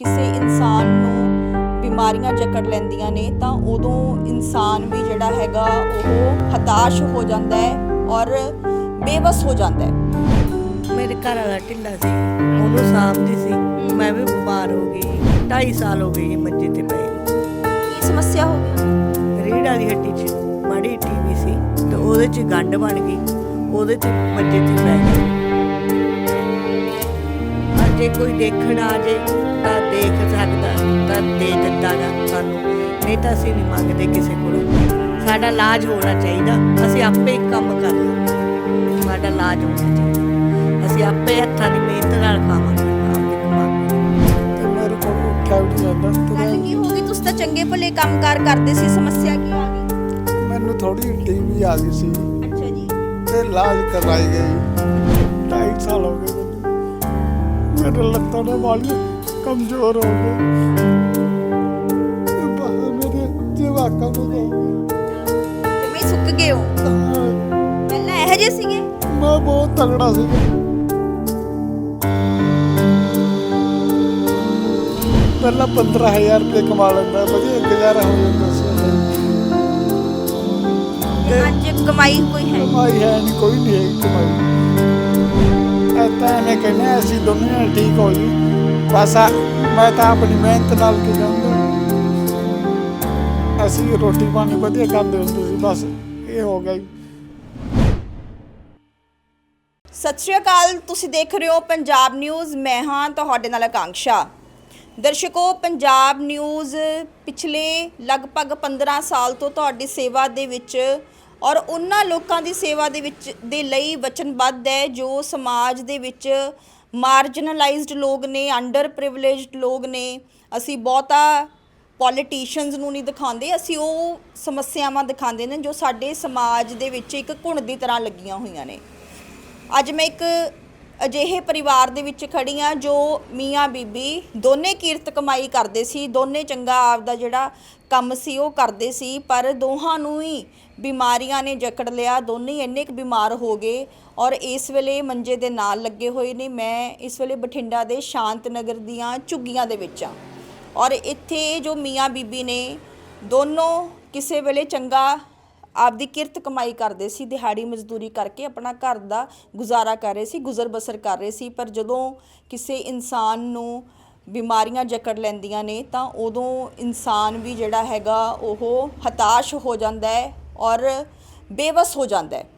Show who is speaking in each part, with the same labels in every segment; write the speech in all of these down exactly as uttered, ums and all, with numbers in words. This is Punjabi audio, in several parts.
Speaker 1: ਕਿਸੇ ਇਨਸਾਨ ਨੂੰ ਬਿਮਾਰੀਆਂ ਜਕੜ ਲੈਂਦੀਆਂ ਨੇ ਤਾਂ ਉਦੋਂ ਇਨਸਾਨ ਵੀ ਜਿਹੜਾ ਹੈਗਾ ਉਹ ਹਤਾਸ਼ ਹੋ ਜਾਂਦਾ ਹੈ ਔਰ ਬੇਵਸ ਹੋ ਜਾਂਦਾ ਹੈ।
Speaker 2: ਮੇਰੇ ਘਰ ਵਾਲਾ ਢਿੱਲਾ ਸੀ, ਉਹਨੂੰ ਸਾਂਭਦੀ ਸੀ, ਮੈਂ ਵੀ ਬਿਮਾਰ ਹੋ ਗਈ। ਢਾਈ ਸਾਲ ਹੋ ਗਏ ਜੀ ਮੰਜੇ ਤੇ ਪਏ ਨੂੰ।
Speaker 1: ਕੀ ਸਮੱਸਿਆ ਹੋ ਗਈ?
Speaker 2: ਰੀੜ੍ਹ ਵਾਲੀ ਹੱਡੀ 'ਚ ਮਾੜੀ ਟੀਵੀ ਸੀ ਤੇ ਉਹਦੇ 'ਚ ਗੰਢ ਬਣ ਗਈ, ਉਹਦੇ 'ਚ ਮੰਜੇ ਤੇ ਪੈ ਗਈ। ਅੱਜ ਜੇ ਕੋਈ ਦੇਖਣ ਆ ਜੇ ਤਾਂ ਦੇਖ ਸਕਦਾ ਤਾਂ ਦੇ ਦਿੰਦਾ ਗਾ ਸਾਨੂੰ, ਨਹੀਂ ਤਾਂ ਅਸੀਂ ਨਹੀਂ ਮੰਗਦੇ ਕਿਸੇ ਕੋਲੋਂ। ਸਾਡਾ ਇਲਾਜ ਹੋਣਾ ਚਾਹੀਦਾ, ਅਸੀਂ ਆਪੇ ਹੀ ਕੰਮ ਕਰ ਲਾਂਗੇ। ਸਾਡਾ ਇਲਾਜ ਹੋਣਾ ਚਾਹੀਦਾ, ਅਸੀਂ ਆਪੇ ਹੱਥਾਂ ਦੀ ਮਿਹਨਤ ਨਾਲ ਖਾਵਾਂਗੇ, ਆਪੇ ਕਮਾਵਾਂਗੇ।
Speaker 3: ਤੇ ਮੇਰੇ ਕੋਲ ਉੱਠਿਆ ਵੀ ਨਹੀਂ ਜਾਂਦਾ।
Speaker 1: ਗੱਲ ਕੀ ਹੋ ਗਈ? ਤੁਸੀਂ ਤਾਂ ਚੰਗੇ ਭਲੇ ਕੰਮਕਾਰ ਕਰਦੇ ਸੀ, ਸਮੱਸਿਆ ਕੀ ਆ ਗਈ?
Speaker 3: ਮੈਨੂੰ ਥੋੜੀ ਟੀਵੀ ਆ ਗਈ ਸੀ
Speaker 1: ਅੱਛਾ ਜੀ।
Speaker 3: ਤੇ ਇਲਾਜ ਕਰਵਾਈ ਗਈ। ਢਾਈ ਸਾਲ ਹੋ ਗਏ ਮੈਨੂੰ। ਮੇਰੇ ਲੱਤਾਂ ਦੇ ਵਾਲ ਕਮਜ਼ੋਰ ਹੋ ਗਏ, ਤੇ ਬਾਹਰ ਮੇਰੇ ਜਵਾਕਾਂ ਨੂੰ ਹੋ ਗਏ।
Speaker 1: ਜਿਵੇਂ ਸੁੱਕ ਗਏ ਹੋ ਪਹਿਲਾਂ ਇਹੋ ਜਿਹੇ ਸੀਗੇ?
Speaker 3: ਮੈਂ ਬਹੁਤ ਤਗੜਾ ਸੀ। ਪਹਿਲਾਂ ਪੰਦਰਾਂ ਹਜ਼ਾਰ ਰੁਪਏ ਕਮਾ ਲੈਂਦਾ, ਵਧੀਆ ਗੁਜ਼ਾਰਾ ਹੋ ਜਾਂਦਾ ਸੀ।
Speaker 1: ਤੇ ਅੱਜ ਕਮਾਈ ਕੋਈ ਹੈ ਨਹੀਂ?
Speaker 3: ਕਮਾਈ ਹੈ ਨਹੀਂ, ਕੋਈ ਨਹੀਂ ਹੈ ਕਮਾਈ। ਐਦਾਂ ਐਵੇਂ ਕਹਿੰਦੇ ਅਸੀਂ ਦੋਨੇ ਠੀਕ ਹੋ ਜੀ ਬਸ। ਮੈਂ ਤਾਂ ਆਪਣੀ ਮਿਹਨਤ ਨਾਲ ਕੀ ਜਾਂਦਾ, ਅਸੀਂ ਰੋਟੀ ਪਾਣੀ ਵਧੀਆ ਖਾਂਦੇ ਹੁੰਦੇ ਸੀ, ਬਸ ਇਹ ਹੋ ਗਿਆ ਜੀ।
Speaker 1: ਸਤਿ ਸ਼੍ਰੀ ਅਕਾਲ, ਤੁਸੀਂ ਦੇਖ ਰਹੇ ਹੋ ਪੰਜਾਬ ਨਿਊਜ਼। ਮੈਂ ਹਾਂ ਤੁਹਾਡੇ ਨਾਲ ਆਕਾਂक्षा। ਦਰਸ਼ਕੋ, ਪੰਜਾਬ ਨਿਊਜ਼ ਪਿਛਲੇ ਲਗਭਗ ਪੰਦਰਾਂ ਸਾਲ ਤੋਂ ਤੁਹਾਡੀ ਸੇਵਾ ਦੇ ਵਿੱਚ ਔਰ ਉਹਨਾਂ ਲੋਕਾਂ ਦੀ ਸੇਵਾ ਦੇ ਵਿੱਚ ਦੇ ਲਈ ਵਚਨਬੱਧ ਹੈ ਜੋ ਸਮਾਜ ਦੇ ਵਿੱਚ ਮਾਰਜਨਲਾਈਜ਼ਡ ਲੋਕ ਨੇ, ਅੰਡਰ ਪ੍ਰਿਵਿਲੇਜਡ ਲੋਕ ਨੇ। ਅਸੀਂ ਬਹੁਤਾ ਪੋਲੀਟੀਸ਼ੀਅਨਸ ਨੂੰ ਨਹੀਂ ਦਿਖਾਉਂਦੇ, ਅਸੀਂ ਉਹ ਸਮੱਸਿਆਵਾਂ ਦਿਖਾਉਂਦੇ ਨੇ ਜੋ ਸਾਡੇ ਸਮਾਜ ਦੇ ਵਿੱਚ ਇੱਕ ਘੁਣ ਦੀ ਤਰ੍ਹਾਂ ਲੱਗੀਆਂ ਹੋਈਆਂ ਨੇ। ਅੱਜ ਮੈਂ ਇੱਕ ਅਜਿਹੇ ਪਰਿਵਾਰ ਦੇ ਵਿੱਚ ਖੜੀ ਹਾਂ ਜੋ ਮੀਆਂ ਬੀਬੀ ਦੋਨੇ ਕਿਰਤ ਕਮਾਈ ਕਰਦੇ ਸੀ, ਦੋਨੇ ਚੰਗਾ ਆਪਦਾ ਜਿਹੜਾ ਕੰਮ ਸੀ ਉਹ ਕਰਦੇ ਸੀ, ਪਰ ਦੋਹਾਂ ਨੂੰ ਹੀ ਬਿਮਾਰੀਆਂ ਨੇ ਜਕੜ ਲਿਆ। ਦੋਨੇ ਇੰਨੇ ਕੁ ਬਿਮਾਰ ਹੋ ਗਏ ਔਰ ਇਸ ਵੇਲੇ ਮੰਜੇ ਦੇ ਨਾਲ ਲੱਗੇ ਹੋਏ ਨੇ। ਮੈਂ ਇਸ ਵੇਲੇ ਬਠਿੰਡਾ ਦੇ ਸ਼ਾਂਤ ਨਗਰ ਦੀਆਂ ਝੁੱਗੀਆਂ ਦੇ ਵਿੱਚ ਹਾਂ ਔਰ ਇੱਥੇ ਜੋ ਮੀਆਂ ਬੀਬੀ ਨੇ ਦੋਨੋਂ ਕਿਸੇ ਵੇਲੇ ਚੰਗਾ ਆਪਦੀ ਕਿਰਤ ਕਮਾਈ ਕਰਦੇ ਸੀ, ਦਿਹਾੜੀ ਮਜ਼ਦੂਰੀ ਕਰਕੇ ਆਪਣਾ ਘਰ ਦਾ ਗੁਜ਼ਾਰਾ ਕਰ ਰਹੇ ਸੀ, ਗੁਜ਼ਰ ਬਸਰ ਕਰ ਰਹੇ ਸੀ। ਪਰ ਜਦੋਂ ਕਿਸੇ ਇਨਸਾਨ ਨੂੰ ਬਿਮਾਰੀਆਂ ਜਕੜ ਲੈਂਦੀਆਂ ਨੇ ਤਾਂ ਉਦੋਂ ਇਨਸਾਨ ਵੀ ਜਿਹੜਾ ਹੈਗਾ ਉਹ ਹਤਾਸ਼ ਹੋ ਜਾਂਦਾ ਹੈ ਔਰ ਬੇਵਸ ਹੋ ਜਾਂਦਾ ਹੈ।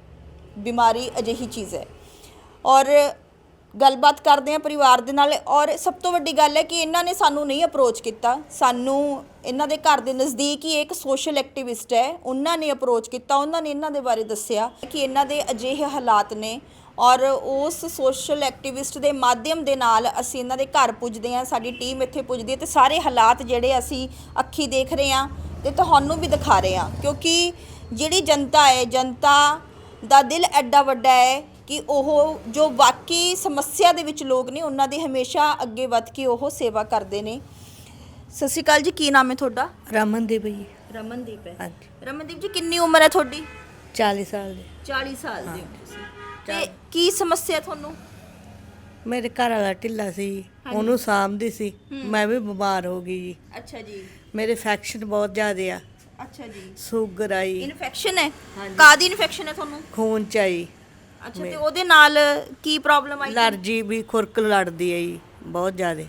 Speaker 1: ਬਿਮਾਰੀ ਅਜਿਹੀ ਚੀਜ਼ ਹੈ। ਔਰ ਗੱਲਬਾਤ ਕਰਦੇ ਹਾਂ ਪਰਿਵਾਰ ਦੇ ਨਾਲ। ਔਰ ਸਭ ਤੋਂ ਵੱਡੀ ਗੱਲ ਹੈ ਕਿ ਇਹਨਾਂ ਨੇ ਸਾਨੂੰ ਨਹੀਂ ਅਪਰੋਚ ਕੀਤਾ, ਸਾਨੂੰ ਇਹਨਾਂ ਦੇ ਘਰ ਦੇ ਨਜ਼ਦੀਕ ਹੀ ਇੱਕ ਸੋਸ਼ਲ ਐਕਟਿਵਿਸਟ ਹੈ, ਉਹਨਾਂ ਨੇ ਅਪਰੋਚ ਕੀਤਾ। ਉਹਨਾਂ ਨੇ ਇਹਨਾਂ ਦੇ ਬਾਰੇ ਦੱਸਿਆ ਕਿ ਇਹਨਾਂ ਦੇ ਅਜਿਹੇ ਹਾਲਾਤ ਨੇ ਔਰ ਉਸ ਸੋਸ਼ਲ ਐਕਟਿਵਿਸਟ ਦੇ ਮਾਧਿਅਮ ਦੇ ਨਾਲ ਅਸੀਂ ਇਹਨਾਂ ਦੇ ਘਰ ਪੁੱਜਦੇ ਹਾਂ, ਸਾਡੀ ਟੀਮ ਇੱਥੇ ਪੁੱਜਦੀ ਹੈ ਤੇ ਸਾਰੇ ਹਾਲਾਤ ਜਿਹੜੇ ਅਸੀਂ ਅੱਖੀ ਦੇਖ ਰਹੇ ਹਾਂ ਤੇ ਤੁਹਾਨੂੰ ਵੀ ਦਿਖਾ ਰਹੇ ਹਾਂ। ਕਿਉਂਕਿ ਜਿਹੜੀ ਜਨਤਾ ਹੈ, ਜਨਤਾ ਦਾ ਦਿਲ ਐਡਾ ਵੱਡਾ ਹੈ ਕਿ ਉਹ ਜੋ ਵਾਕਈ ਸਮੱਸਿਆ ਦੇ ਵਿੱਚ ਲੋਕ ਨੇ ਉਹਨਾਂ ਦੀ ਹਮੇਸ਼ਾ ਅੱਗੇ ਵੱਧ ਕੇ ਉਹ ਸੇਵਾ ਕਰਦੇ ਨੇ। ਸਤਿ ਸ਼੍ਰੀ ਅਕਾਲ ਜੀ, ਕੀ ਨਾਮ ਹੈ ਤੁਹਾਡਾ?
Speaker 2: ਰਮਨਦੀਪ ਜੀ।
Speaker 1: ਰਮਨਦੀਪ ਹੈ।
Speaker 2: ਹਾਂਜੀ।
Speaker 1: ਰਮਨਦੀਪ ਜੀ, ਕਿੰਨੀ ਉਮਰ ਹੈ ਤੁਹਾਡੀ?
Speaker 2: ਚਾਲੀ ਸਾਲ ਦੇ।
Speaker 1: ਚਾਲੀ ਸਾਲ ਦੇ ਹੋ ਤੁਸੀਂ। ਤੇ ਕੀ ਸਮੱਸਿਆ ਤੁਹਾਨੂੰ?
Speaker 2: ਮੇਰੇ ਘਰ ਵਾਲਾ ਢਿੱਲਾ ਸੀ, ਉਹਨੂੰ ਸਾਂਭਦੀ ਸੀ, ਮੈਂ ਵੀ ਬਿਮਾਰ ਹੋ ਗਈ ਜੀ।
Speaker 1: ਅੱਛਾ ਜੀ।
Speaker 2: ਮੇਰੇ ਇਨਫੈਕਸ਼ਨ ਬਹੁਤ ਜ਼ਿਆਦੇ ਆ।
Speaker 1: ਅੱਛਾ ਜੀ।
Speaker 2: ਸ਼ੂਗਰ ਆਈ,
Speaker 1: ਇਨਫੈਕਸ਼ਨ ਹੈ? ਕਾਹਦੀ ਇਨਫੈਕਸ਼ਨ ਹੈ ਤੁਹਾਨੂੰ?
Speaker 2: ਖੂਨ ਚ ਆਈ।
Speaker 1: ਅੱਛਾ, ਤੇ ਉਹਦੇ ਨਾਲ ਕੀ ਪ੍ਰੋਬਲਮ ਆਈ?
Speaker 2: ਅਲਰਜੀ ਵੀ, ਖੁਰਕ ਲੜਦੀ ਹੈ ਜੀ ਬਹੁਤ ਜ਼ਿਆਦੇ।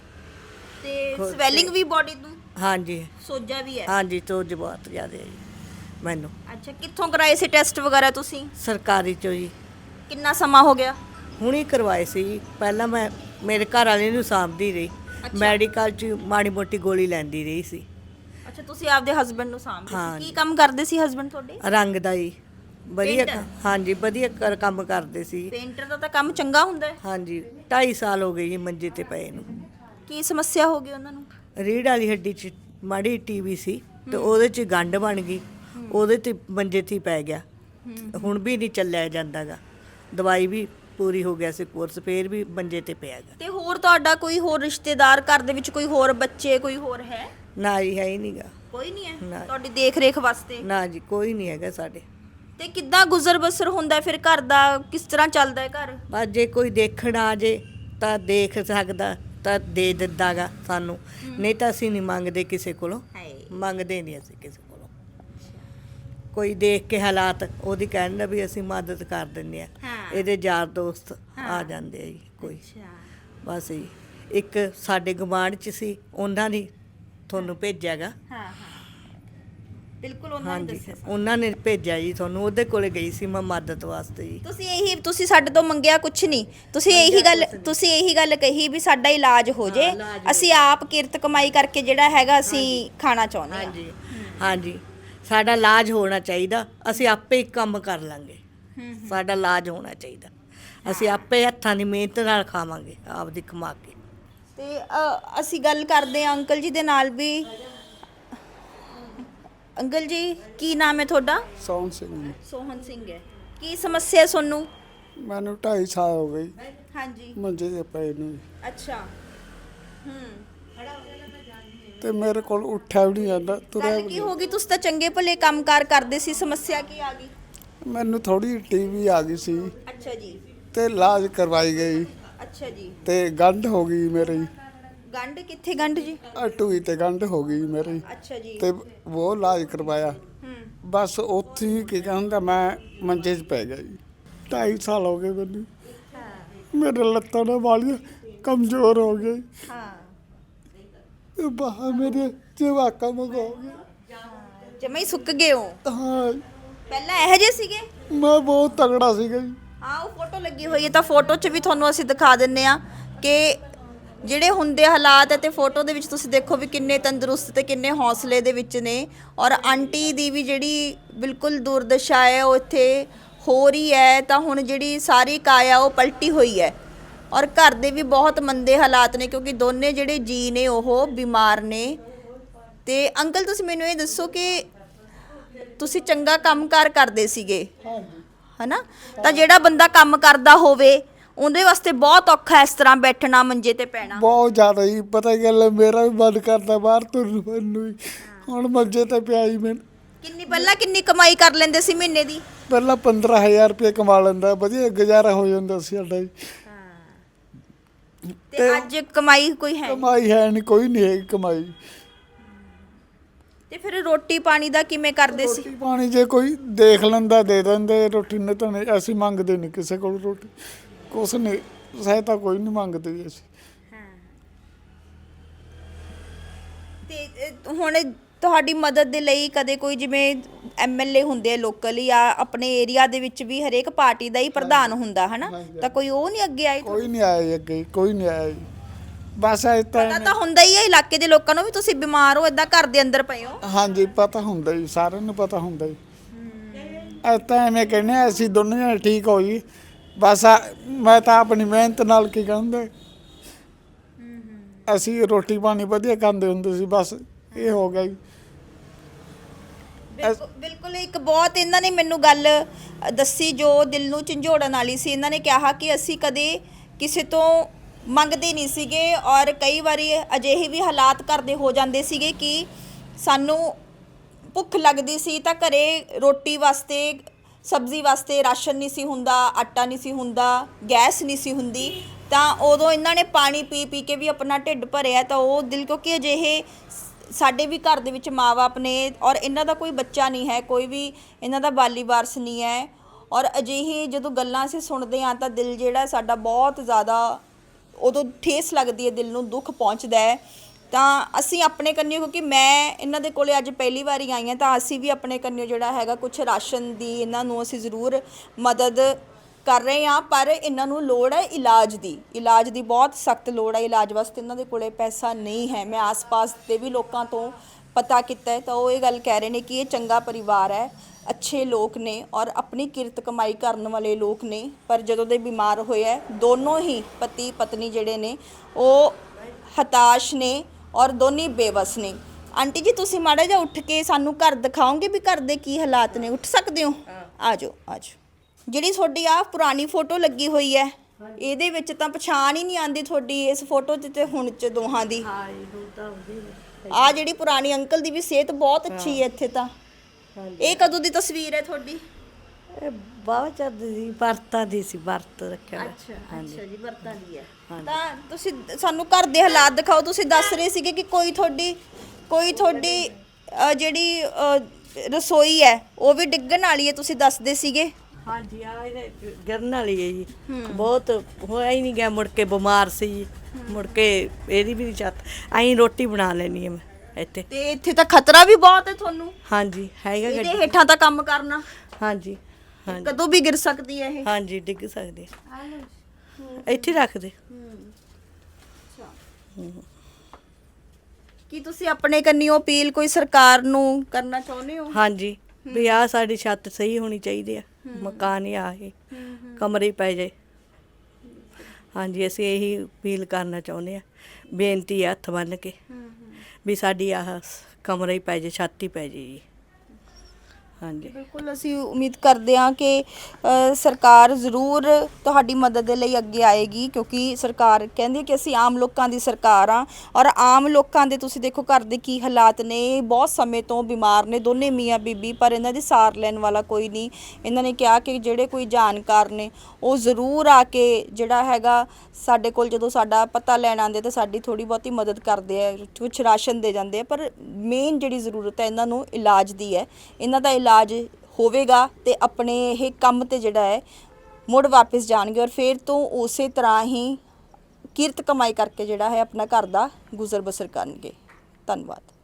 Speaker 1: ਤੇ ਸਵੈਲਿੰਗ ਵੀ ਬਾਡੀ ਨੂੰ?
Speaker 2: ਹਾਂਜੀ।
Speaker 1: ਸੋਜਾ ਵੀ ਹੈ?
Speaker 2: ਹਾਂਜੀ, ਸੋਜ ਬਹੁਤ ਜ਼ਿਆਦੇ ਹੈ ਜੀ ਮੈਨੂੰ।
Speaker 1: ਅੱਛਾ, ਕਿੱਥੋਂ ਕਰਾਏ ਸੀ ਟੈਸਟ ਵਗੈਰਾ ਤੁਸੀਂ?
Speaker 2: ਸਰਕਾਰੀ ਚੋਂ ਜੀ।
Speaker 1: ਕਿੰਨਾ ਸਮਾਂ ਹੋ ਗਿਆ?
Speaker 2: ਹੁਣੀ ਕਰਵਾਏ ਸੀ ਜੀ। ਪਹਿਲਾਂ ਮੈਂ ਮੇਰੇ ਘਰ ਵਾਲੇ ਨੂੰ ਸਾਂਭਦੀ ਰਹੀ, ਮੈਡੀਕਲ 'ਚ ਮਾੜੀ ਮੋਟੀ ਗੋਲੀ ਲੈਂਦੀ ਰਹੀ ਸੀ।
Speaker 1: ਅੱਛਾ, ਤੁਸੀਂ ਆਪਦੇ ਹਸਬੰਡ ਨੂੰ ਸਾਂਭਦੇ
Speaker 2: ਹਾਂ।
Speaker 1: ਸੀ। ਕੀ ਕੰਮ ਕਰਦੇ ਸੀ ਹਸਬੰਡ ਤੁਹਾਡੇ?
Speaker 2: ਰੰਗ ਦਾ ਜੀ, ਵਧੀਆ।
Speaker 1: ਪੇਂਟਰ?
Speaker 2: ਹਾਂਜੀ, ਵਧੀਆ ਕਰ ਕੰਮ ਕਰਦੇ ਸੀ।
Speaker 1: ਪੇਂਟਰ ਦਾ ਤਾਂ ਕੰਮ ਚੰਗਾ ਹੁੰਦਾ ਹੈ।
Speaker 2: ਹਾਂਜੀ, ਢਾਈ ਸਾਲ ਹੋ ਗਏ ਜੀ ਮੰਜੇ ਤੇ ਪਏ ਨੂੰ।
Speaker 1: ਕੀ ਸਮੱਸਿਆ ਹੋ ਗਈ ਉਹਨਾਂ ਨੂੰ?
Speaker 2: ਰੀੜ੍ਹ ਵਾਲੀ ਹੱਡੀ 'ਚ ਮਾੜੀ ਟੀਵੀ ਸੀ ਤੇ ਉਹਦੇ 'ਚ ਗੰਢ ਬਣ ਗਈ, ਉਹਦੇ 'ਤੇ ਮੰਜੇ 'ਤੇ ਹੀ ਪੈ ਗਿਆ। ਹੁਣ ਵੀ ਨਹੀਂ ਚੱਲਿਆ ਜਾਂਦਾਗਾ, ਦਵਾਈ ਵੀ ਪੂਰੀ ਹੋ ਗਿਆ ਸੀ ਕੋਰਸ, ਫੇਰ ਵੀ ਮੰਜੇ 'ਤੇ ਪਿਆ ਗਾ।
Speaker 1: ਤੇ ਹੋਰ ਤੁਹਾਡਾ ਕੋਈ ਹੋਰ ਰਿਸ਼ਤੇਦਾਰ, ਘਰ ਦੇ ਵਿੱਚ ਕੋਈ ਹੋਰ ਬੱਚੇ, ਕੋਈ ਹੋਰ ਹੈ?
Speaker 2: ਨਾ ਜੀ, ਹੈ ਹੀ ਨਹੀਂਗਾ।
Speaker 1: ਕੋਈ ਨਹੀਂ ਹੈ
Speaker 2: ਨਾ।
Speaker 1: ਤੁਹਾਡੀ ਦੇਖ ਰੇਖ ਵਾਸਤੇ?
Speaker 2: ਨਾ ਜੀ, ਕੋਈ ਨਹੀਂ ਹੈਗਾ ਸਾਡੇ।
Speaker 1: ਤੇ ਕਿੱਦਾਂ ਗੁਜ਼ਰ ਬਸਰ ਹੁੰਦਾ ਫਿਰ ਘਰ ਦਾ? ਕਿਸ ਤਰ੍ਹਾਂ ਚੱਲਦਾ ਹੈ ਘਰ?
Speaker 2: ਬਸ ਜੇ ਕੋਈ ਦੇਖਣ ਆ ਜੇ ਤਾਂ ਦੇਖ ਸਕਦਾ ਤਾਂ ਦੇ ਦਿੰਦਾ ਗਾ ਸਾਨੂੰ, ਨਹੀਂ ਤਾਂ ਅਸੀਂ ਨਹੀਂ ਮੰਗਦੇ ਕਿਸੇ ਕੋਲੋਂ,
Speaker 1: ਹਾਏ
Speaker 2: ਮੰਗਦੇ ਨਹੀਂ ਅਸੀਂ ਕਿਸੇ ਕੋਲੋਂ। ਕੋਈ ਦੇਖ ਕੇ ਹਾਲਾਤ ਉਹਦੀ ਕਹਿੰਦਾ ਵੀ ਅਸੀਂ ਮਦਦ ਕਰ ਦਿੰਦੇ ਆ,
Speaker 1: ਹਾਂ।
Speaker 2: ਇਹਦੇ ਯਾਰ ਦੋਸਤ
Speaker 1: ਹਾਂ।
Speaker 2: ਆ ਜਾਂਦੇ ਆ ਜੀ ਕੋਈ,
Speaker 1: ਅੱਛਾ
Speaker 2: ਬਸ ਜੀ। ਇੱਕ ਸਾਡੇ ਗੁਆਂਢ 'ਚ ਸੀ, ਉਹਨਾਂ ਨੇ ਤੁਹਾਨੂੰ ਭੇਜਿਆ ਗਾ।
Speaker 1: ਹਾਂ ਹਾਂ ਬਿਲਕੁਲ ਉਹਨਾਂ ਨੇ
Speaker 2: ਹਾਂਜੀ
Speaker 1: ਦੱਸਿਆ ਸਾਨੂੰ।
Speaker 2: ਉਹਨਾਂ ਨੇ ਭੇਜਿਆ ਜੀ ਤੁਹਾਨੂੰ, ਉਹਦੇ ਕੋਲੇ ਗਈ ਸੀ ਮੈਂ ਮਦਦ ਵਾਸਤੇ ਜੀ।
Speaker 1: ਤੁਸੀਂ ਇਹੀ ਤੁਸੀਂ ਸਾਡੇ ਤੋਂ ਮੰਗਿਆ ਕੁਛ ਨਹੀਂ, ਤੁਸੀਂ ਇਹੀ ਗੱਲ ਤੁਸੀਂ ਇਹੀ ਗੱਲ ਕਹੀ ਵੀ ਸਾਡਾ ਇਲਾਜ ਹੋ ਜੇ,
Speaker 2: ਇਲਾਜ ਹੋ
Speaker 1: ਅਸੀਂ ਆਪ ਕਿਰਤ ਕਮਾਈ ਕਰਕੇ ਜਿਹੜਾ ਹੈਗਾ ਅਸੀਂ ਖਾਣਾ ਚਾਹੁੰਦੇ ਹਾਂ।
Speaker 2: ਹਾਂਜੀ ਹਾਂਜੀ ਸਾਡਾ ਇਲਾਜ ਹੋਣਾ ਚਾਹੀਦਾ, ਅਸੀਂ ਆਪੇ ਹੀ ਕੰਮ ਕਰ ਲਾਂਗੇ। ਸਾਡਾ ਇਲਾਜ ਹੋਣਾ ਚਾਹੀਦਾ, ਅਸੀਂ ਆਪੇ ਹੱਥਾਂ ਦੀ ਮਿਹਨਤ ਨਾਲ ਖਾਵਾਂਗੇ ਆਪਦੀ ਕਮਾ ਕੇ।
Speaker 1: ਤੇ ਅ, ਅਸੀਂ ਗੱਲ ਕਰਦੇ ਹਾਂ ਅੰਕਲ ਜੀ ਦੇ ਨਾਲ ਵੀ। ਅੰਕਲ ਜੀ ਕੀ ਨਾਮ ਹੈ ਤੁਹਾਡਾ?
Speaker 3: ਸੋਹਣ ਸਿੰਘ ਜੀ।
Speaker 1: ਸੋਹਨ ਸਿੰਘ ਹੈ। ਕੀ ਸਮੱਸਿਆ ਤੁਹਾਨੂੰ?
Speaker 3: ਮੈਨੂੰ ਢਾਈ ਸਾਲ ਹੋ ਗਏ
Speaker 1: ਹਾਂਜੀ
Speaker 3: ਮੰਜੇ ਤੇ ਪਏ ਨੂੰ,
Speaker 1: ਅੱਛਾ ਹੂੰ
Speaker 3: ਤੇ ਮੇਰੇ ਕੋਲ ਉੱਠਿਆ ਵੀ ਨਹੀਂ ਜਾਂਦਾ, ਤੁਰਿਆ
Speaker 1: ਗੱਲ
Speaker 3: ਵੀ
Speaker 1: ਕੀ
Speaker 3: ਨਹੀਂ।
Speaker 1: ਹੋ ਗਈ? ਤੁਸੀਂ ਤਾਂ ਚੰਗੇ ਭਲੇ ਕੰਮਕਾਰ ਕਰਦੇ ਸੀ, ਸਮੱਸਿਆ ਕੀ ਆ ਗਈ?
Speaker 3: ਮੈਨੂੰ ਥੋੜੀ ਟੀਵੀ ਆ ਗਈ ਸੀ
Speaker 1: ਅੱਛਾ ਜੀ
Speaker 3: ਤੇ ਇਲਾਜ ਕਰਵਾਈ ਗਈ,
Speaker 1: ਅੱਛਾ ਜੀ।
Speaker 3: ਤੇ ਗੰਢ ਹੋ ਗਈ ਮੇਰੀ,
Speaker 1: ਗੰਢ ਕਿੱਥੇ ਗੰਢ ਜੀ?
Speaker 3: ਟੂਈ ਤੇ ਗੰਢ ਹੋ ਗਈ ਮੇਰੀ,
Speaker 1: ਅੱਛਾ ਜੀ
Speaker 3: ਤੇ ਉਹ ਇਲਾਜ ਕਰਵਾਇਆ।
Speaker 1: ਹੂੰ
Speaker 3: ਬਸ ਉੱਥੇ ਹੀ ਕੀ ਕਹਿੰਦਾ ਮੈਂ ਮੰਜੇ 'ਚ ਪੈ ਗਿਆ ਜੀ। ਢਾਈ ਸਾਲ ਹੋ ਗਏ ਮੈਨੂੰ, ਮੇਰੇ ਲੱਤਾਂ ਨਾਲ ਵਾਲੀਆਂ ਕਮਜ਼ੋਰ ਹੋ ਗਈ,
Speaker 1: ਹਾਂ
Speaker 3: ਬਾਹਾਂ ਮੇਰੇ ਜਵਾਕਾਂ ਵਾਂਗ ਹੋ ਗਏ।
Speaker 1: ਜਮੇ ਹੀ ਸੁੱਕ ਗਏ ਹੋ।
Speaker 3: ਹਾਂ
Speaker 1: ਪਹਿਲਾਂ ਇਹੋ ਜਿਹੇ ਸੀਗੇ?
Speaker 3: ਮੈਂ ਬਹੁਤ ਤਗੜਾ ਸੀਗਾ ਜੀ।
Speaker 1: ਹਾਂ ਉਹ ਫੋਟੋ ਲੱਗੀ ਹੋਈ ਹੈ, ਤਾਂ ਫੋਟੋ 'ਚ ਵੀ ਤੁਹਾਨੂੰ ਅਸੀਂ ਦਿਖਾ ਦਿੰਨੇ ਆ ਕਿ ਜਿਹੜੇ ਹੁੰਦੇ ਹਾਲਾਤ ਹੈ, ਤੇ ਫੋਟੋ ਦੇ ਵਿੱਚ ਤੁਸੀਂ ਦੇਖੋ ਵੀ ਕਿੰਨੇ ਤੰਦਰੁਸਤ ਤੇ ਕਿੰਨੇ ਹੌਸਲੇ ਦੇ ਵਿੱਚ ਨੇ। ਔਰ ਆਂਟੀ ਦੀ ਵੀ ਜਿਹੜੀ ਬਿਲਕੁਲ ਦੁਰਦਸ਼ਾ ਹੈ ਉਹ ਇੱਥੇ ਹੋ ਰਹੀ ਹੈ, ਤਾਂ ਹੁਣ ਜਿਹੜੀ ਸਾਰੀ ਕਾਇਆ ਉਹ ਪਲਟੀ ਹੋਈ ਹੈ। ਔਰ ਘਰ ਦੇ ਵੀ ਬਹੁਤ ਮੰਦੇ ਹਾਲਾਤ ਨੇ, ਕਿਉਂਕਿ ਦੋਨੇ ਜਿਹੜੇ ਜੀ ਨੇ ਉਹ ਬਿਮਾਰ ਨੇ। ਤੇ ਅੰਕਲ ਤੁਸੀਂ ਮੈਨੂੰ ਇਹ ਦੱਸੋ ਕਿ ਤੁਸੀਂ ਚੰਗਾ ਕੰਮਕਾਰ ਕਰਦੇ ਸੀਗੇ ਹਨਾ, ਤਾਂ ਜਿਹੜਾ ਬੰਦਾ ਕੰਮ ਕਰਦਾ ਹੋਵੇ ਉਹਦੇ ਵਾਸਤੇ ਬਹੁਤ ਔਖਾ ਇਸ ਤਰ੍ਹਾਂ ਬੈਠਣਾ, ਮੰਜੇ ਤੇ ਪੈਣਾ।
Speaker 3: ਬਹੁਤ ਜ਼ਿਆਦਾ ਹੀ ਪਤਾ ਗੱਲ ਹੈ, ਮੇਰਾ ਵੀ ਮਨ ਕਰਦਾ ਬਾਹਰ ਤੁਰਨ ਨੂੰ ਹੀ, ਹੁਣ ਮੰਜੇ ਤੇ ਪਿਆ ਹੀ ਮੈਂ।
Speaker 1: ਕਿੰਨੀ ਪਹਿਲਾਂ ਕਿੰਨੀ ਕਮਾਈ ਕਰ ਲੈਂਦੇ ਸੀ ਮਹੀਨੇ ਦੀ?
Speaker 3: ਪਹਿਲਾਂ ਪੰਦਰਾਂ ਹਜ਼ਾਰ ਰੁਪਏ ਕਮਾ ਲੈਂਦਾ, ਵਧੀਆ ਗੁਜ਼ਾਰਾ ਹੋ ਜਾਂਦਾ ਸੀ ਸਾਡਾ ਜੀ।
Speaker 1: ਤੇ ਅੱਜ ਕਮਾਈ ਕੋਈ ਹੈ ਨਹੀਂ।
Speaker 3: ਕਮਾਈ ਹੈ ਨਹੀਂ, ਕੋਈ ਨਹੀਂ ਹੈਗੀ ਕਮਾਈ।
Speaker 1: ਤੇ ਫਿਰ ਰੋਟੀ ਪਾਣੀ ਦਾ ਕਿਵੇਂ ਕਰਦੇ ਸੀ?
Speaker 3: ਰੋਟੀ ਪਾਣੀ ਜੇ ਕੋਈ ਦੇਖ ਲੈਂਦਾ ਦੇ ਦਿੰਦੇ, ਰੋਟੀ ਨਹੀਂ ਤਾਂ ਨਹੀਂ, ਅਸੀਂ ਮੰਗਦੇ ਨਹੀਂ ਕਿਸੇ ਕੋਲ ਰੋਟੀ, ਕੁਛ ਨਹੀਂ, ਸਹਾਇਤਾ ਕੋਈ ਨਹੀਂ ਮੰਗਦੇ ਜੀ ਅਸੀਂ।
Speaker 1: ਤੇ ਅ, ਹੁਣ ਤੁਹਾਡੀ ਮਦਦ ਦੇ ਲਈ ਕਦੇ ਕੋਈ ਜਿਵੇਂ ਐਮਐਲਏ ਹੁੰਦੇ ਆ ਲੋਕਲ ਜਾਂ ਆਪਣੇ ਏਰੀਆ ਦੇ ਵਿੱਚ ਵੀ ਹਰੇਕ ਪਾਰਟੀ ਦਾ ਹੀ ਪ੍ਰਧਾਨ ਹੁੰਦਾ ਹਨਾ, ਤਾਂ ਕੋਈ ਉਹ ਨਹੀਂ ਅੱਗੇ ਆਏ?
Speaker 3: ਕੋਈ ਨਹੀਂ ਆਇਆ ਜੀ ਅੱਗੇ, ਕੋਈ ਨਹੀਂ ਆਇਆ ਜੀ। ਬਸ ਇਹ
Speaker 1: ਪਤਾ
Speaker 3: ਤਾਂ
Speaker 1: ਤਾਂ ਹੁੰਦਾ ਹੀ ਹੈ ਇਲਾਕੇ ਦੇ ਲੋਕਾਂ ਨੂੰ ਵੀ ਤੁਸੀਂ ਬਿਮਾਰ ਹੋ, ਏਦਾਂ ਘਰ ਦੇ ਅੰਦਰ ਪਏ ਹੋ।
Speaker 3: ਹਾਂਜੀ ਪਤਾ ਹੁੰਦਾ ਜੀ, ਸਾਰਿਆਂ ਨੂੰ ਪਤਾ ਹੁੰਦਾ ਜੀ। ਇਹ ਤਾਂ ਐਵੇਂ ਕਹਿੰਦੇ ਹਾਂ, ਅਸੀਂ ਦੋਨੇ ਜਣੇ ਠੀਕ ਹੋ ਜੀ। ਬਸ ਆ- ਮੈਂ ਤਾਂ ਆਪਣੀ ਮਿਹਨਤ ਨਾਲ ਕੀ ਕਹਿੰਦੇ, ਅਸੀਂ ਰੋਟੀ ਪਾਣੀ ਵਧੀਆ ਖਾਂਦੇ ਹੁੰਦੇ ਸੀ, ਬਸ ਇਹ ਹੋ ਗਿਆ ਜੀ।
Speaker 1: ਬਿਲਕੁਲ ਬਿਲਕੁਲ ਇੱਕ ਬਹੁਤ ਇਹਨਾਂ ਨੇ ਮੈਨੂੰ ਗੱਲ ਅ, ਦੱਸੀ ਜੋ ਦਿਲ ਨੂੰ ਝੰਜੋੜਨ ਵਾਲੀ ਸੀ। ਇਹਨਾਂ ਨੇ ਕਿਹਾ ਕਿ ਅਸੀਂ ਕਦੇ ਕਿਸੇ ਤੋਂ ਮੰਗਦੇ ਨਹੀਂ ਸੀਗੇ, ਔਰ ਕਈ ਵਾਰੀ ਅਜਿਹੇ ਵੀ ਹਾਲਾਤ ਘਰ ਦੇ ਹੋ ਜਾਂਦੇ ਸੀਗੇ ਕਿ ਸਾਨੂੰ ਭੁੱਖ ਲੱਗਦੀ ਸੀ ਤਾਂ ਘਰੇ ਰੋਟੀ ਵਾਸਤੇ, ਸਬਜ਼ੀ ਵਾਸਤੇ ਰਾਸ਼ਨ ਨਹੀਂ ਸੀ ਹੁੰਦਾ, ਆਟਾ ਨਹੀਂ ਸੀ ਹੁੰਦਾ, ਗੈਸ ਨਹੀਂ ਸੀ ਹੁੰਦੀ, ਤਾਂ ਉਦੋਂ ਇਹਨਾਂ ਨੇ ਪਾਣੀ ਪੀ ਪੀ ਕੇ ਵੀ ਆਪਣਾ ਢਿੱਡ ਭਰਿਆ। ਤਾਂ ਉਹ ਦਿਲ, ਕਿਉਂਕਿ ਅਜਿਹੇ ਸਾਡੇ ਵੀ ਘਰ ਦੇ ਵਿੱਚ ਮਾਂ-ਬਾਪ ਨੇ ਔਰ ਇਹਨਾਂ ਦਾ ਕੋਈ ਬੱਚਾ ਨਹੀਂ ਹੈ, ਕੋਈ ਵੀ ਇਹਨਾਂ ਦਾ ਬਾਲੀ ਵਾਰਸ ਨਹੀਂ ਹੈ। ਔਰ ਅਜਿਹੀ ਜਦੋਂ ਗੱਲਾਂ ਅਸੀਂ ਸੁਣਦੇ ਹਾਂ ਤਾਂ ਦਿਲ ਜਿਹੜਾ ਸਾਡਾ ਬਹੁਤ ਜ਼ਿਆਦਾ ਉਦੋਂ ਠੇਸ ਲੱਗਦੀ ਹੈ, ਦਿਲ ਨੂੰ ਦੁੱਖ ਪਹੁੰਚਦਾ ਹੈ। ਤਾਂ ਅਸੀਂ ਆਪਣੇ ਕੰਨਿਓ, ਕਿਉਂਕਿ ਮੈਂ ਇਹਨਾਂ ਦੇ ਕੋਲੇ ਅੱਜ ਪਹਿਲੀ ਵਾਰੀ ਆਈ ਹਾਂ, ਤਾਂ ਅਸੀਂ ਵੀ ਆਪਣੇ ਕੰਨਿਓ ਜਿਹੜਾ ਹੈਗਾ ਕੁਛ ਰਾਸ਼ਨ ਦੀ ਇਹਨਾਂ ਨੂੰ ਅਸੀਂ ਜ਼ਰੂਰ ਮਦਦ ਕਰ ਰਹੇ ਹਾਂ। ਪਰ ਇਹਨਾਂ ਨੂੰ ਲੋੜ ਹੈ ਇਲਾਜ ਦੀ, ਇਲਾਜ ਦੀ ਬਹੁਤ ਸਖਤ ਲੋੜ ਹੈ। ਇਲਾਜ ਵਾਸਤੇ ਇਹਨਾਂ ਦੇ ਕੋਲੇ ਪੈਸਾ ਨਹੀਂ ਹੈ। ਮੈਂ ਆਸ-ਪਾਸ ਦੇ ਵੀ ਲੋਕਾਂ ਤੋਂ ਪਤਾ ਕੀਤਾ ਹੈ, ਤਾਂ ਉਹ ਇਹ ਗੱਲ ਕਹਿ ਰਹੇ ਨੇ ਕਿ ਇਹ ਚੰਗਾ ਪਰਿਵਾਰ ਹੈ, ਅੱਛੇ ਲੋਕ ਨੇ ਔਰ ਆਪਣੀ ਕਿਰਤ ਕਮਾਈ ਕਰਨ ਵਾਲੇ ਲੋਕ ਨੇ। ਪਰ ਜਦੋਂ ਦੇ ਬਿਮਾਰ ਹੋਏ ਹੈ, ਦੋਨੋਂ ਹੀ ਪਤੀ ਪਤਨੀ ਜਿਹੜੇ ਨੇ ਉਹ ਹਤਾਸ਼ ਨੇ ਔਰ ਦੋਨੇ ਬੇਵਸ ਨੇ। ਆਂਟੀ ਜੀ ਤੁਸੀਂ ਮਾੜਾ ਜਿਹਾ ਉੱਠ ਕੇ ਸਾਨੂੰ ਘਰ ਦਿਖਾਓਗੇ ਵੀ ਘਰ ਦੇ ਕੀ ਹਾਲਾਤ ਨੇ? ਉੱਠ ਸਕਦੇ ਹੋ? ਆ ਜਾਓ ਆ ਜਾਓ। ਜਿਹੜੀ ਤੁਹਾਡੀ ਆ ਪੁਰਾਣੀ ਫੋਟੋ ਲੱਗੀ ਹੋਈ ਹੈ, ਇਹਦੇ ਵਿੱਚ ਤਾਂ ਪਛਾਣ ਹੀ ਨਹੀਂ ਆਉਂਦੀ ਤੁਹਾਡੀ ਇਸ ਫੋਟੋ 'ਚ ਤੇ ਹੁਣ 'ਚ ਦੋਹਾਂ ਦੀ। ਆ ਜਿਹੜੀ ਪੁਰਾਣੀ ਅੰਕਲ ਦੀ ਵੀ ਸਿਹਤ ਬਹੁਤ ਅੱਛੀ ਹੈ ਇੱਥੇ ਤਾਂ। ਇਹ ਕਦੋਂ ਦੀ ਤਸਵੀਰ ਹੈ ਤੁਹਾਡੀ?
Speaker 2: ਇਹ ਬਹੁਤ ਚੱਲਦੀ ਸੀ, ਵਰਤਾਂ ਦੀ ਸੀ, ਵਰਤ ਰੱਖਿਆ ਹੋਇਆ।
Speaker 1: ਅੱਛਾ ਅੱਛਾ ਜੀ, ਵਰਤਾਂ ਦੀ ਹੈ। ਤਾਂ ਤੁਸੀਂ ਸਾਨੂੰ ਘਰ ਦੇ ਹਾਲਾਤ ਦਿਖਾਓ। ਤੁਸੀਂ ਦੱਸ ਰਹੇ ਸੀਗੇ ਕਿ ਕੋਈ ਤੁਹਾਡੀ ਕੋਈ ਤੁਹਾਡੀ ਅ, ਜਿਹੜੀ ਅ, ਰਸੋਈ ਹੈ ਉਹ ਵੀ ਡਿੱਗਣ ਵਾਲੀ ਹੈ, ਤੁਸੀਂ ਦੱਸਦੇ ਸੀਗੇ।
Speaker 2: ਹਾਂਜੀ ਆ ਇਹਦੇ ਗਿਰਨ ਵਾਲੀ ਹੈ ਜੀ। ਬਹੁਤ ਹੋਇਆ ਹੀ ਨਹੀਂ ਗਿਆ, ਮੁੜ ਕੇ ਬਿਮਾਰ ਸੀ ਜੀ। ਮੁੜ ਕੇ ਇਹਦੀ ਵੀ ਨੀ ਛੱਤ, ਐਂ ਰੋਟੀ ਬਣਾ ਲੈਣੀ ਹੈ ਮੈਂ ਇੱਥੇ।
Speaker 1: ਤੇ ਇੱਥੇ ਤਾਂ ਖਤਰਾ ਵੀ ਬਹੁਤ ਹੈ ਤੁਹਾਨੂੰ,
Speaker 2: ਹਾਂਜੀ ਹੈਗਾ
Speaker 1: ਇਹਦੇ
Speaker 2: ਗੱਡੀ।
Speaker 1: ਹੇਠਾਂ ਤਾਂ ਕੰਮ ਕਰਨਾ,
Speaker 2: ਹਾਂਜੀ ਹਾਂਜੀ
Speaker 1: ਕਦੋਂ ਵੀ ਗਿਰ ਸਕਦੀ ਹੈ ਇਹ।
Speaker 2: ਹਾਂਜੀ ਡਿੱਗ ਸਕਦੇ ਇੱਥੇ ਰੱਖ ਦੇ।
Speaker 1: ਕੀ ਤੁਸੀਂ ਆਪਣੇ ਕੰਨਿਓ ਅਪੀਲ ਕੋਈ ਸਰਕਾਰ ਨੂੰ ਕਰਨਾ ਚਾਹੁੰਦੇ ਹੋ?
Speaker 2: ਹਾਂਜੀ ਵੀ ਆਹ ਸਾਡੀ ਛੱਤ ਸਹੀ ਹੋਣੀ ਚਾਹੀਦੀ ਆ, ਮਕਾਨ ਹੀ ਆ ਇਹ ਕਮਰੇ ਪੈ ਜਾਏ। ਹਾਂਜੀ ਅਸੀਂ ਇਹੀ ਅਪੀਲ ਕਰਨਾ ਚਾਹੁੰਦੇ ਆ, ਬੇਨਤੀ ਆ ਹੱਥ ਬੰਨ੍ਹ ਕੇ ਵੀ ਸਾਡੀ ਆਹ ਕਮਰੇ ਹੀ ਪੈ ਜਾਏ, ਛੱਤ ਹੀ ਪੈ ਜਾਏ ਜੀ। ਹਾਂਜੀ
Speaker 1: ਬਿਲਕੁਲ ਅਸੀਂ ਉਮੀਦ ਕਰਦੇ ਹਾਂ ਕਿ ਅ, ਸਰਕਾਰ ਜ਼ਰੂਰ ਤੁਹਾਡੀ ਮਦਦ ਦੇ ਲਈ ਅੱਗੇ ਆਏਗੀ, ਕਿਉਂਕਿ ਸਰਕਾਰ ਕਹਿੰਦੀ ਹੈ ਕਿ ਅਸੀਂ ਆਮ ਲੋਕਾਂ ਦੀ ਸਰਕਾਰ ਆ। ਔਰ ਆਮ ਲੋਕਾਂ ਦੇ ਤੁਸੀਂ ਦੇਖੋ ਘਰ ਦੇ ਕੀ ਹਾਲਾਤ ਨੇ, ਬਹੁਤ ਸਮੇਂ ਤੋਂ ਬਿਮਾਰ ਨੇ ਦੋਨੇ ਮੀਆਂ ਬੀਬੀ, ਪਰ ਇਹਨਾਂ ਦੀ ਸਾਰ ਲੈਣ ਵਾਲਾ ਕੋਈ ਨਹੀਂ। ਇਹਨਾਂ ਨੇ ਕਿਹਾ ਕਿ ਜਿਹੜੇ ਕੋਈ ਜਾਣਕਾਰ ਨੇ ਉਹ ਜ਼ਰੂਰ ਆ ਕੇ ਜਿਹੜਾ ਹੈਗਾ ਸਾਡੇ ਕੋਲ ਜਦੋਂ ਸਾਡਾ ਪਤਾ ਲੈਣ ਆਉਂਦੇ ਤਾਂ ਸਾਡੀ ਥੋੜੀ ਬਹੁਤੀ ਮਦਦ ਕਰਦੇ ਆ, ਕੁਛ ਰਾਸ਼ਨ ਦੇ ਜਾਂਦੇ ਆ, ਪਰ ਮੇਨ ਜਿਹੜੀ ਜ਼ਰੂਰਤ ਹੈ ਇਹਨਾਂ ਨੂੰ ਇਲਾਜ ਦੀ ਹੈ। ਇਹਨਾਂ ਦਾ ਇਲਾਜ ਹੋਵੇਗਾ ਤੇ ਆਪਣੇ ਇਹ ਕੰਮ ਤੇ ਜਿਹੜਾ ਹੈ ਮੁੜ ਵਾਪਸ ਜਾਣਗੇ ਔਰ ਫਿਰ ਤੋਂ ਉਸੇ ਤਰ੍ਹਾਂ ਹੀ ਕਿਰਤ ਕਮਾਈ ਕਰਕੇ ਜਿਹੜਾ ਹੈ ਆਪਣਾ ਘਰ ਦਾ ਗੁਜ਼ਰ ਬਸਰ ਕਰਨਗੇ। ਧੰਨਵਾਦ।